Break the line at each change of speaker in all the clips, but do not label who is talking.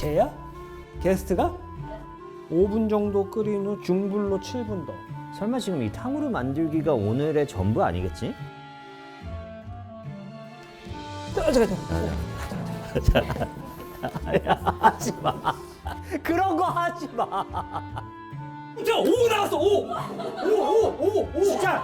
쟤야? 게스트가? 5분 정도 끓인 후 중불로 7분 더.
설마 지금 이 탕후루 만들기가 오늘의 전부 아니겠지? 하지 마. 그런 거 하지 마.
야, 5 나왔어. 5. 진짜.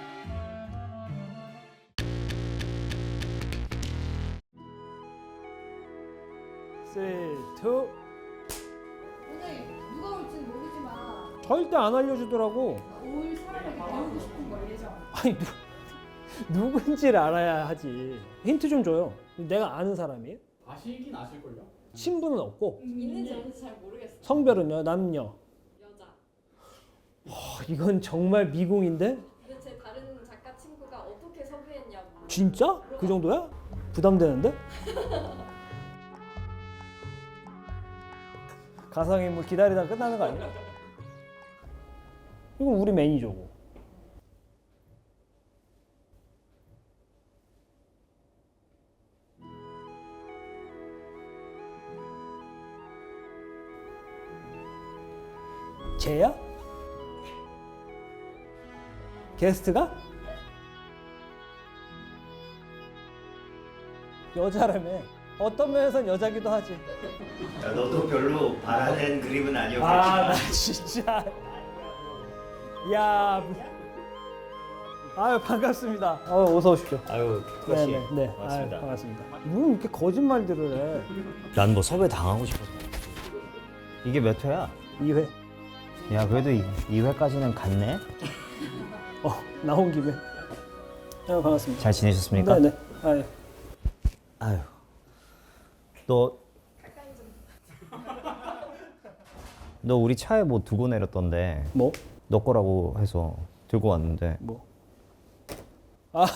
쓰리, 투.
오늘 누가 올지는 모르지만
절대 안 알려주더라고.
올 사람에게 배우고 싶은 걸 예정.
아니 누군지를 알아야 하지. 힌트 좀 줘요. 내가 아는 사람이에요?
아시긴 아실걸요?
신분은 없고
있는지 없는지 잘 모르겠어.
성별은요? 남녀.
여자.
이건 정말 미궁인데?
근데 제 다른 작가 친구가 어떻게 섭외했냐고.
진짜? 그 정도야? 부담되는데? 가상인물 기다리다가 끝나는 거 아니야? 이건 우리 매니저고. 쟤야? 게스트가? 여자라며. 어떤 면에선 여자기도 하지.
야, 너도 별로 바라는 그림은 아니었겠지.
아, 나 진짜. 야. 아유, 반갑습니다. 어서 오십시오.
아유, 투카 씨.
네.
반갑습니다.
아유, 반갑습니다. 뭐 이렇게 거짓말들을 해.
난 뭐 섭외 당하고 싶어서. 이게 몇 회야?
2회.
야, 그래도 2회까지는 갔네.
나온 김에. 아유, 반갑습니다.
잘 지내셨습니까?
네네. 아유.
아유. 너 우리 차에 뭐 두고 내렸던데
뭐?
너 거라고 해서 들고 왔는데
뭐? 아,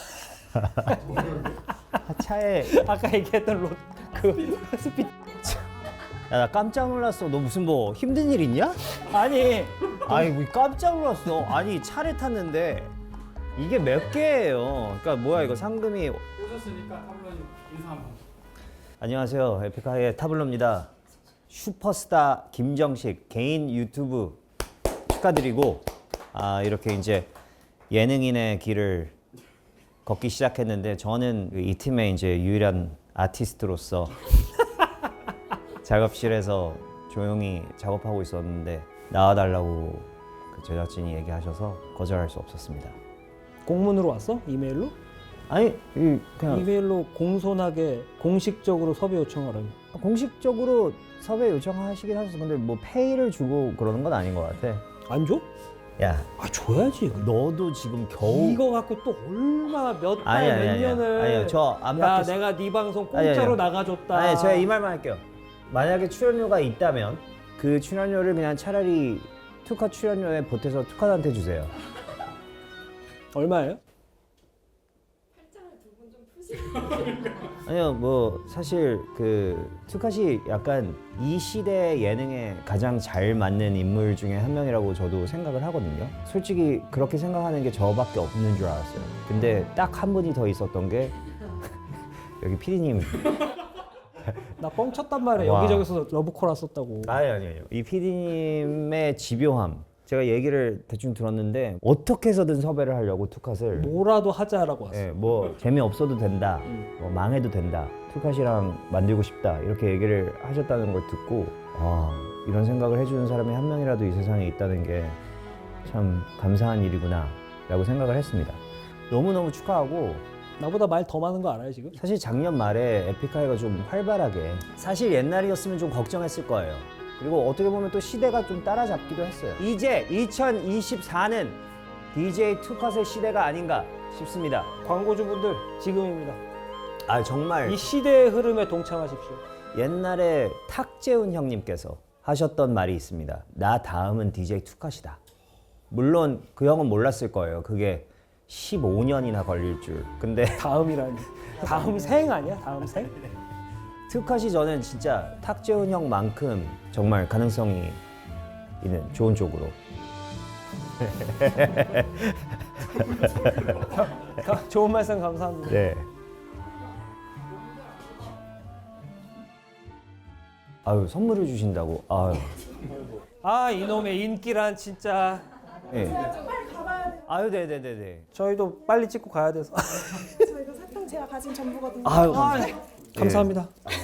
차에
아까 얘기했던 그 스피.
야, 나 깜짝 놀랐어. 너 무슨 뭐 힘든 일 있냐?
아니,
아니 뭐 깜짝 놀랐어. 아니 차를 탔는데 이게 몇 개예요. 그러니까 뭐야 이거 상금이.
오셨으니까 타블로님 인사 한번.
안녕하세요. 에픽하이의 타블로입니다. 슈퍼스타 김정식 개인 유튜브 축하드리고 이렇게 이제 예능인의 길을 걷기 시작했는데 저는 이 팀의 이제 유일한 아티스트로서 작업실에서 조용히 작업하고 있었는데 나와달라고 그 제작진이 얘기하셔서 거절할 수 없었습니다.
공문으로 왔어? 이메일로?
아니 그냥
이메일로 공손하게 공식적으로 섭외 요청하라고.
공식적으로 섭외 요청하시긴 하셨어. 근데 뭐 페이를 주고 그러는 건 아닌 것 같아.
안 줘?
야,
아, 줘야지.
너도 지금 겨우
이거 갖고 또 얼마나 몇 달
아니,
몇
아니, 아니,
년을.
아니요, 저안
야,
받겠-
내가 네 방송
아니,
공짜로
아니요.
나가줬다.
아니 제가 이 말만 할게요. 만약에 출연료가 있다면 그 출연료를 그냥 차라리 투카 출연료에 보태서 투카한테 주세요.
얼마예요?
팔짱을 두 분 좀 푸시고.
아니요, 뭐 사실 그 투카시 약간 이 시대 예능에 가장 잘 맞는 인물 중에 한 명이라고 저도 생각을 하거든요. 솔직히 그렇게 생각하는 게 저밖에 없는 줄 알았어요. 근데 딱 한 분이 더 있었던 게 여기 피디님.
나 뻥쳤단 말이야.
와.
여기저기서 러브콜 왔었다고.
아니요. 이 PD님의 집요함. 제가 얘기를 대충 들었는데 어떻게 해서든 섭외를 하려고 투컷을
뭐라도 하자라고 왔어.
예, 뭐 재미없어도 된다, 뭐 망해도 된다, 투컷이랑 만들고 싶다 이렇게 얘기를 하셨다는 걸 듣고 이런 생각을 해주는 사람이 한 명이라도 이 세상에 있다는 게 참 감사한 일이구나 라고 생각을 했습니다. 너무너무 축하하고
나보다 말 더 많은 거 알아요 지금?
사실 작년 말에 에픽하이가 좀 활발하게 사실 옛날이었으면 좀 걱정했을 거예요. 그리고 어떻게 보면 또 시대가 좀 따라잡기도 했어요. 이제 2024는 DJ 투컷의 시대가 아닌가 싶습니다.
광고주분들 지금입니다.
정말
이 시대의 흐름에 동참하십시오.
옛날에 탁재훈 형님께서 하셨던 말이 있습니다. 나 다음은 DJ 투컷이다. 물론 그 형은 몰랐을 거예요. 그게 15년이나 걸릴 줄. 근데
다음이라니. 다음 생 아니야? 다음 생?
투컷이 저는 진짜 탁재훈 형만큼 정말 가능성이 있는 좋은 쪽으로.
좋은 말씀 감사합니다.
네. 아유 선물을 주신다고. 아유.
아 이놈의 인기란 진짜.
예.
빨리 가봐야 돼요.
아유 네네네네.
저희도 빨리 찍고 가야 돼서.
저 이거 사탕 제가 가진 전부거든요.
아유
아,
감사합니다.
감사합니다.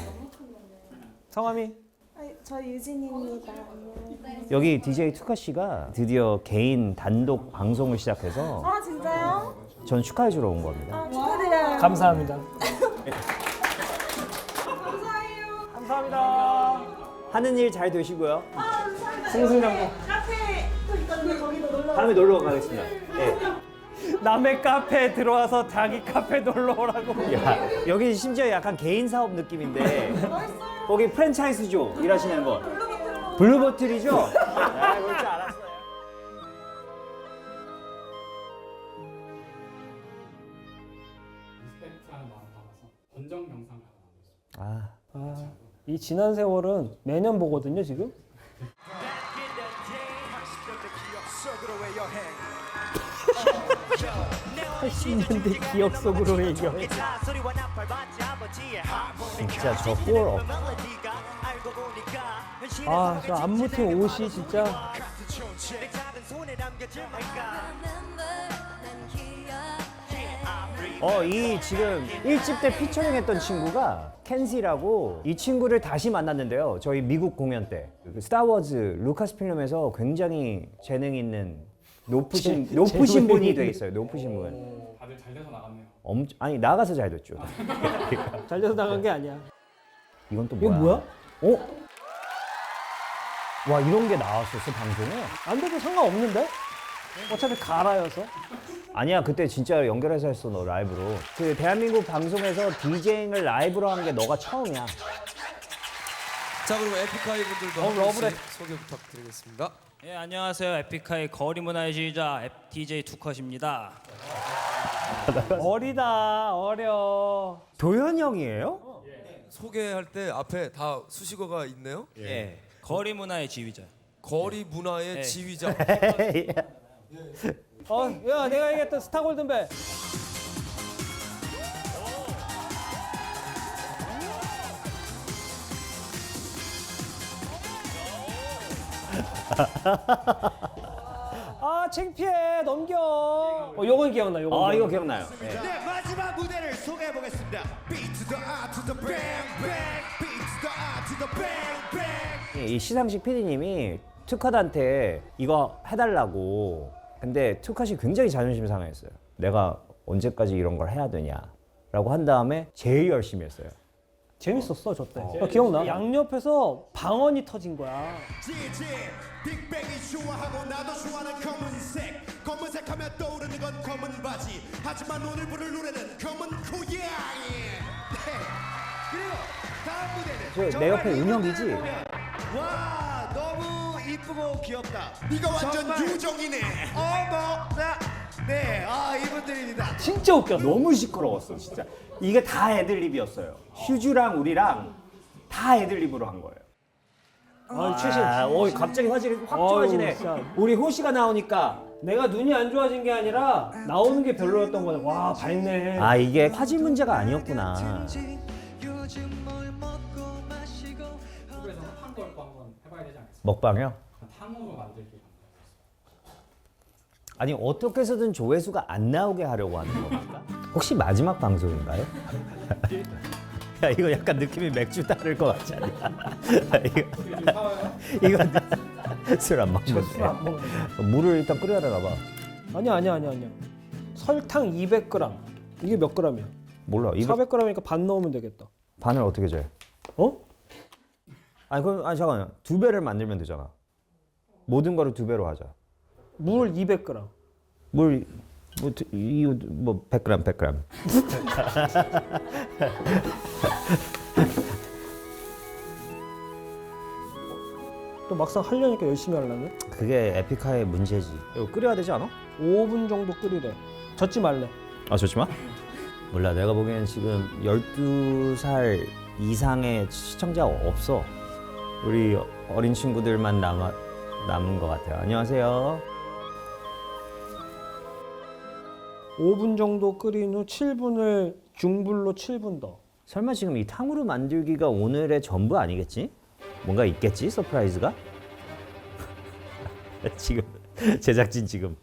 성함이?
저 유진입니다. 안녕.
여기 DJ 투카 씨가 드디어 개인 단독 방송을 시작해서
아 진짜요?
전 축하해주러 온 겁니다.
아 축하드려요.
감사합니다.
감사해요.
감사합니다.
하는 일 잘 되시고요.
아 감사합니다.
승승장구.
카페 또 있던데 거기도 놀러.
다음에 놀러 가겠습니다. 예.
남의 카페에 들어와서 자기 카페 놀러 오라고.
야, 여기 심지어 약간 개인 사업 느낌인데
맛있어요.
거기 프랜차이즈죠 일하시는 거.
블루버틀로.
블루버틀이죠? 아, 그럴 줄 알았어요.
리스펙트하는 마음 담아서 본정 영상을 하나 만들었습니다.
아,
이 지난 세월은 매년 보거든요 지금. 80년대 기억 속으로의 여행.
진짜 저골
아, 저 안무팀 옷이 진짜.
이 지금 1집 때 피처링했던 친구가 켄시라고 이 친구를 다시 만났는데요. 저희 미국 공연 때 스타워즈 루카스 필름에서 굉장히 재능 있는 높으신
재능이
분이
있는.
돼 있어요. 높으신 분.
다들 잘 돼서 나갔네요.
아니 나가서 잘 됐죠.
잘려서 나간 게 아니야.
이건 또
이거
뭐야?
뭐야?
와 이런 게 나왔었어 방송에?
안 돼도 상관없는데? 어차피 가라여서.
아니야 그때 진짜 연결해서 했어 너 라이브로. 그 대한민국 방송에서 디제잉을 라이브로 한 게 너가 처음이야.
자 그리고 에픽하이 분들도 한
러브레.
분씩 소개 부탁드리겠습니다.
예, 안녕하세요. 에픽하이 거리 문화의 지휘자 DJ 투컷입니다.
어리다, 어려.
도현 형이에요?
소개할 때 앞에 다 수식어가 있네요.
예. 거리 문화의 지휘자.
거리 문화의
네.
지휘자.
야, 내가 얘기했던 스타 골든벨. 아, 창피해. 넘겨. 요건 기억나, 요건.
이거 기억나요. 네.
네, 마지막 무대를 소개해 보겠습니다. Beat to the R to the bang bang. Beat to the R to the bang bang.
이 시상식 PD님이 투컷한테 이거 해달라고. 근데 투컷이 굉장히 자존심 상했어요. 내가 언제까지 이런 걸 해야 되냐라고 한 다음에 제일 열심히 했어요.
재밌었어, 저 때. 기억나? 양옆에서 방언이 터진 거야.
GG 빅뱅이 좋아하고 나도 좋아하는 검은색. 검은색 하면 떠오르는 건 검은 바지. 하지만 오늘 부를 노래는 검은 고양이. 네. 그리고 다음 무대는
내 옆에 은혁이지?
와 너무 이쁘고 귀엽다. 이거 완전 유정이네. 어머 네, 이분들입니다.
진짜 웃겨. 너무 시끄러웠어, 진짜. 이게 다 애들립이었어요. 휴즈랑 우리랑 다 애들립으로 한 거예요.
최신.
갑자기 화질이 확
어우,
좋아지네.
진짜.
우리 호시가 나오니까.
내가 눈이 안 좋아진 게 아니라 나오는 게 별로였던 거야. 와, 밝네.
이게 화질 문제가 아니었구나.
한국에서 핫한 걸또 한번 해봐야 되지 않겠습니까?
먹방이요?
탕후루 만들기.
아니 어떻게 해서든 조회수가 안 나오게 하려고 하는 겁니까? 혹시 마지막 방송인가요? 야 이거 약간 느낌이 맥주 따를 것 같지 않냐? 이거 술 안 먹는데
안 먹는데.
물을 일단 끓여야 되나 봐.
아니야. 설탕 200g. 이게 몇 g이야?
몰라.
400g이니까 반 넣으면 되겠다.
반을 어떻게 재요?
어?
아니 잠깐만 2배를 만들면 되잖아. 모든 거를 2배로 하자.
물 200g.
물 100g.
또 막상 하려니까 열심히 하려네.
그게 에픽하의 문제지. 이거 끓여야 되지 않아?
5분 정도 끓이래. 젓지 말래.
좋지 마. 몰라. 내가 보기엔 지금 12살 이상의 시청자가 없어. 우리 어린 친구들만 남은 것 같아요. 안녕하세요.
5분 정도 끓인 후 7분을 중불로 7분 더.
설마 지금 이 탕후루 만들기가 오늘의 전부 아니겠지? 뭔가 있겠지 서프라이즈가? 지금 제작진 지금.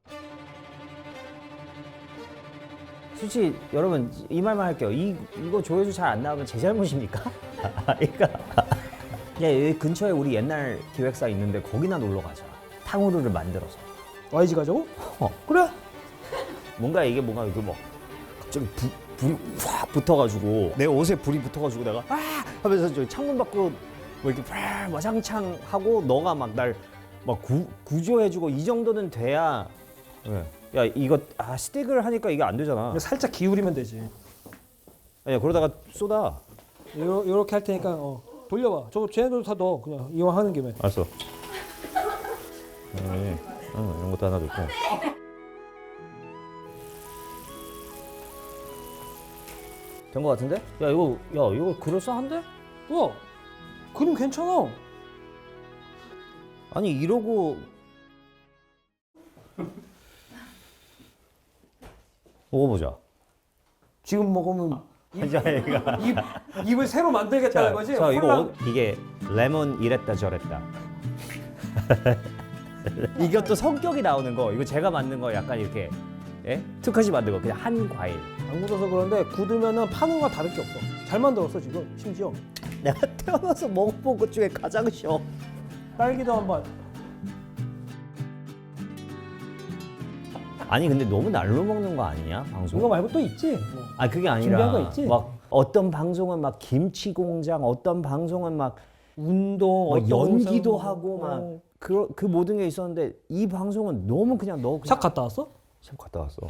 솔직히 여러분 이 말만 할게요. 이거 조회수 잘 안 나오면 제 잘못입니까? 그러니까 야, 여기 근처에 우리 옛날 기획사 있는데 거기나 놀러 가자. 탕후루를 만들어서.
YG 가자고? 그래.
뭔가 이게 뭔가 이거 막 갑자기 불이 확 붙어가지고 내 옷에 불이 붙어가지고 내가 아 하면서 저 창문 밖으로 뭐 이렇게 와장창 하고 너가 막 날 막 구조해주고 이 정도는 돼야. 네. 야 이거 스틱을 하니까 이게 안 되잖아.
살짝 기울이면 되지.
아니야 그러다가 쏟아.
요렇게 할 테니까 돌려봐. 저거 쟤네도 다 넣어. 그냥 이왕 하는 김에.
알았어. 이런 것도 하나 넣고. 된 거 같은데? 야 이거 그럴싸한데?
그림 괜찮아.
아니 이러고 먹어보자.
지금 먹으면
자기가
입을 새로 만들겠다는 거지?
자 이거
홀랑.
이게 레몬 이랬다 저랬다. 이것도 성격이 나오는 거. 이거 제가 만든 거 약간 이렇게 투카시 만든 거 그냥 한 과일.
안 굳어서 그런데 굳으면은 파는 거와 다를 게 없어. 잘 만들었어 지금 심지어.
내가 태어나서 먹어본 것 중에 가장 쉬워.
딸기도 한번.
아니 근데 너무 날로 먹는 거 아니냐 방송?
이거 말고 또 있지. 뭐.
아 그게
준비한
아니라
거 있지?
막 어떤 방송은 막 김치 공장, 어떤 방송은 막
운동,
막
어떤
연기도
영상,
하고 막 그 모든 게 있었는데 이 방송은 너무 그냥 너
샵 갔다 왔어?
샵 갔다 왔어.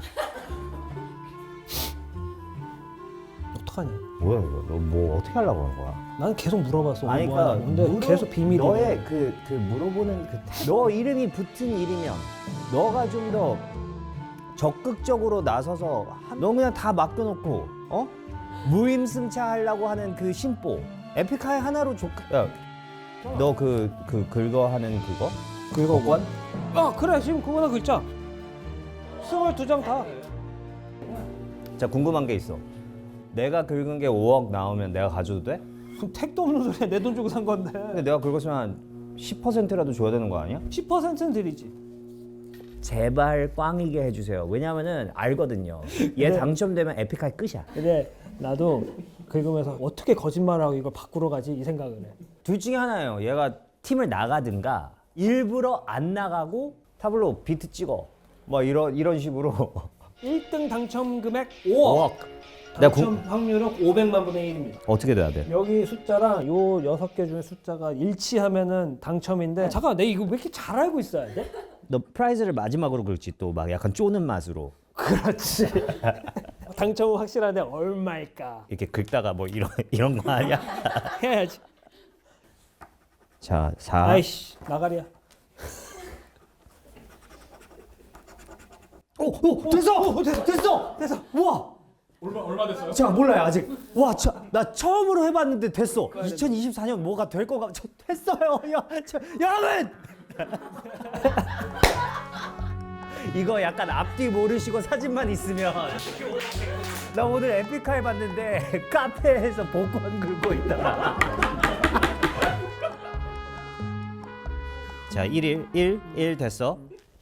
어떡하냐?
뭐야 이거? 너 뭐 어떻게 하려고 하는 거야?
난 계속 물어봤어.
아니
뭐
그러니까
하냐고. 근데 계속 비밀이야.
너의 그 물어보는 너 이름이 붙은 일이면 너가 좀 더 적극적으로 나서서 너 그냥 다 맡겨놓고 무임승차하려고 하는 그 심보 에픽하이 하나로 너 긁어하는 그거?
긁어권? 그래 지금 그거나 긁자. 22장 다.
자 궁금한 게 있어. 내가 긁은 게 5억 나오면 내가 가져도 돼?
무슨 택도 없는 소리야. 내 돈 주고 산 건데.
근데 내가 긁었으면 한 10%라도 줘야 되는 거 아니야?
10%는 드리지.
제발 꽝이게 해주세요. 왜냐면은 알거든요. 얘
네.
당첨되면 에픽하이 끝이야.
근데 나도 긁으면서 어떻게 거짓말하고 이걸 바꾸러 가지 이 생각을 해.
둘 중에 하나예요. 얘가 팀을 나가든가 일부러 안 나가고 타블로 비트 찍어. 뭐 이런 식으로
1등 당첨 금액 5억.
5억. 내가
당첨 확률은 500만 분의 1입니다.
어떻게 돼야 돼?
여기 숫자랑 요 6개 중에 숫자가 일치하면은 당첨인데 잠깐 내가 이거 왜 이렇게 잘 알고 있어야 돼?
너 프라이즈를 마지막으로 긁지 또 막 약간 쪼는 맛으로
그렇지. 당첨은 확실한데 얼마일까?
이렇게 긁다가 뭐 이런 거 아니야?
해야지.
자, 4.
아이씨 나가리야. 됐어. 우와.
얼마 됐어요?
제가 몰라요 아직. 와, 나 처음으로 해봤는데 됐어. 2024년 뭐가 될 거가 됐어요. 여러분. 이거 약간 앞뒤 모르시고 사진만 있으면 나 오늘 에픽하이 봤는데 카페에서 복권 긁고 있더라. 자, 1 됐어.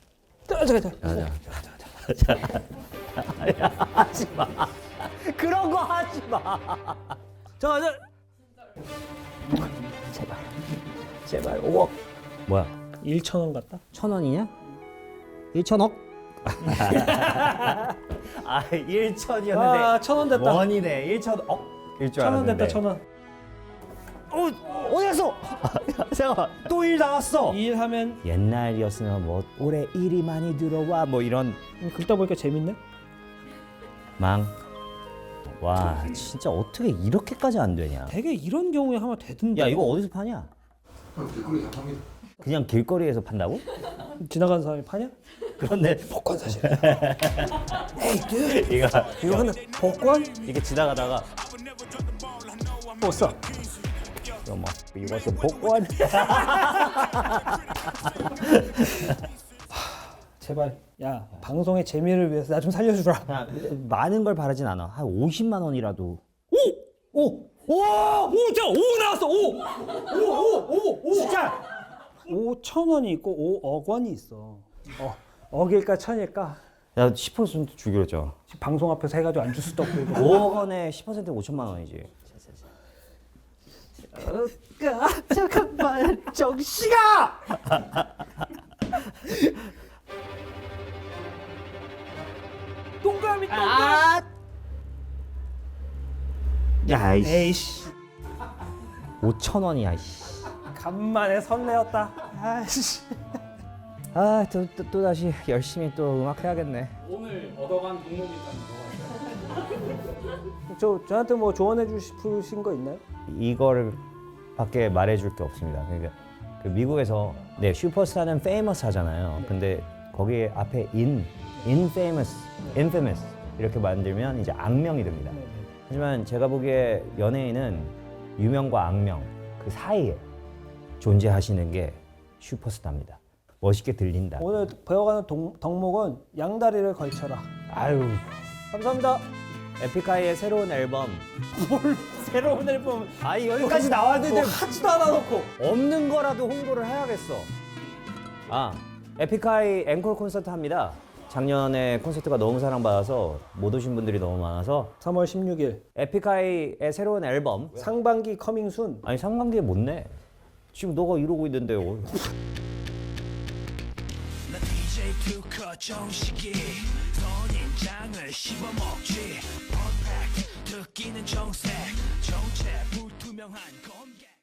자.
하지 마. 그런 거 하지 마.
자.
제발 5억. 뭐야?
1,000원 같다.
1,000원이냐? 1,000억? 1,000이었는데
1,000원 됐다.
원이네. 1,000억? 일 줄
1,000원
알았는데.
됐다. 1,000원.
어디 갔어? 잠깐만. 또 일 나왔어.
일하면
옛날이었으면 뭐 올해 일이 많이 들어와 뭐 이런
긁다 보니까 재밌네.
망. 와 진짜 어떻게 이렇게까지 안 되냐?
되게 이런 경우에 하면 되던데.
야 이거 어디서 파냐?
길거리에서 팝니다.
그냥 길거리에서 판다고?
지나가는 사람이 파냐?
그런데
복권 사실.
이거
하나 복권?
이게 지나가다가
뭐 써?
이것은 복권.
제발. 야 방송의 재미를 위해서 나 좀 살려주라.
많은 걸 바라진 않아. 한 50만 원이라도.
오! 자, 5 나왔어. 5
진짜
5,000원이 있고 5억 원이 있어. 억일까 천일까?
야 10% 주기로 했잖아.
방송 앞에서 해가지고 안 줄 수도 없고 이거.
5억 원에 10%는 5천만 원이지.
잠깐만 정씨가. 동그라미.
야 이씨.
에이씨.
5천 원이야 이씨.
간만에 설레었다. 아이씨.
또 다시 열심히 또 음악 해야겠네.
오늘 얻어간 종목이 있다면 뭐가 있어요?
저한테 뭐 조언해 주신 거 있나요?
이거를 밖에 말해줄 게 없습니다. 그러니까 그 미국에서 네 슈퍼스타는 famous 하잖아요. 근데 거기에 앞에 infamous 이렇게 만들면 이제 악명이 됩니다. 하지만 제가 보기에 연예인은 유명과 악명 그 사이에 존재하시는 게 슈퍼스타입니다. 멋있게 들린다.
오늘 배워가는 덕목은 양다리를 걸쳐라.
아유,
감사합니다.
에픽하이의 새로운 앨범.
뭘 새로운 앨범
여기까지 나왔는데
하지도 않아 놓고.
없는 거라도 홍보를 해야겠어. 에픽하이 앵콜 콘서트 합니다. 작년에 콘서트가 너무 사랑받아서 못 오신 분들이 너무 많아서
3월 16일
에픽하이의 새로운 앨범.
상반기 커밍순.
아니 상반기에 못 내. 지금 너가 이러고 있는데.
DJ 투커 정식이 선인장을 씹어먹지 퍼펙트 듣기는 정색 정체 불투명한 검객